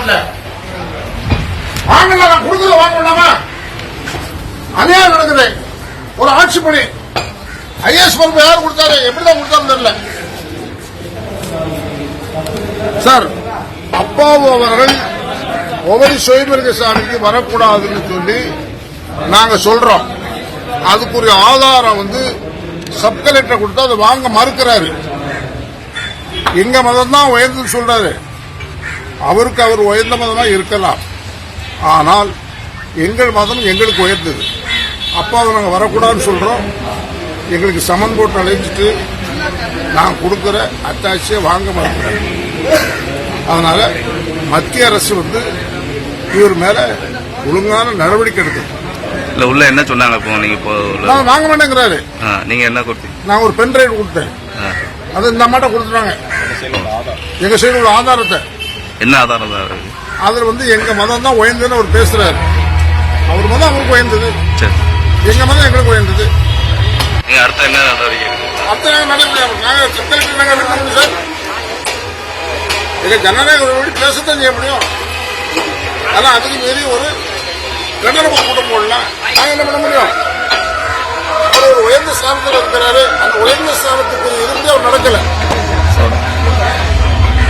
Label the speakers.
Speaker 1: நாட்டில் வாங்கல, நான் கொடுக்கல, வாங்க வேண்டாமா? அநியாயம் நடக்குது. ஒரு ஆட்சி பணி ஐஏஎஸ் பொறுப்பு யார் கொடுத்தாரு, எப்படிதான் கொடுத்தாரு தெரியல. சார், அப்பாவு அவர்கள் ஒவ்வொரு சுயமிருக சாமிக்கு வரக்கூடாதுன்னு சொல்லி நாங்க சொல்றோம். அதுக்குரிய ஆதாரம் சப் கலெக்டர் கொடுத்தா அதை வாங்க மறுக்கிறாரு. எங்க மதம் தான் உயர்ந்து சொல்றாரு. அவருக்கு அவர் உயர்ந்த மதமா இருக்கலாம், ஆனால் எங்கள் மதம் எங்களுக்கு உயர்ந்தது. அப்பாவை நாங்கள் வரக்கூடாதுன்னு சொல்றோம். எங்களுக்கு சமன் போட்டு அழைச்சிட்டு நான் கொடுக்கிற அத்தாட்சியை வாங்க மறுக்கிறேன். அதனால மத்திய அரசு இவர் மேல ஒழுங்கான நடவடிக்கை எடுக்கணும்.
Speaker 2: இல்ல உள்ள என்ன சொன்னாங்க? இப்போ நீங்க
Speaker 1: நான் வாங்க மாட்டேங்கிறாரு.
Speaker 2: நீங்க என்ன கொடுத்தீங்க?
Speaker 1: நான் ஒரு பென் டிரைவ் கொடுத்தேன். அது இந்த அம்மாட்ட கொடுத்துட்டாங்க. எங்க சைடு உள்ள ஆதாரத்தை.
Speaker 2: என்ன ஆதாரம்?
Speaker 1: அதுல எங்க மதம் தான் உயர்ந்ததுன்னு அவர் பேசுறாரு. அவர் மதம் அவருக்கு உயர்ந்தது, எங்க மதம் எங்களுக்கு உயர்ந்தது.
Speaker 2: அடுத்த என்ன
Speaker 1: அடுத்த நாங்க செக்ரட்டரி சார், எங்க ஜனநாயக பேசத்தான் செய்ய முடியும். ஆனா அதுக்கு மீறி ஒரு கண்டன கூட்டம் போடலாம். நாங்க என்ன பண்ண முடியும்? அவர் ஒரு உயர்ந்த ஸ்தானத்தில் இருக்கிறாரு. அந்த உயர்ந்த ஸ்தானத்துக்கு இருந்து அவர் நடக்கல.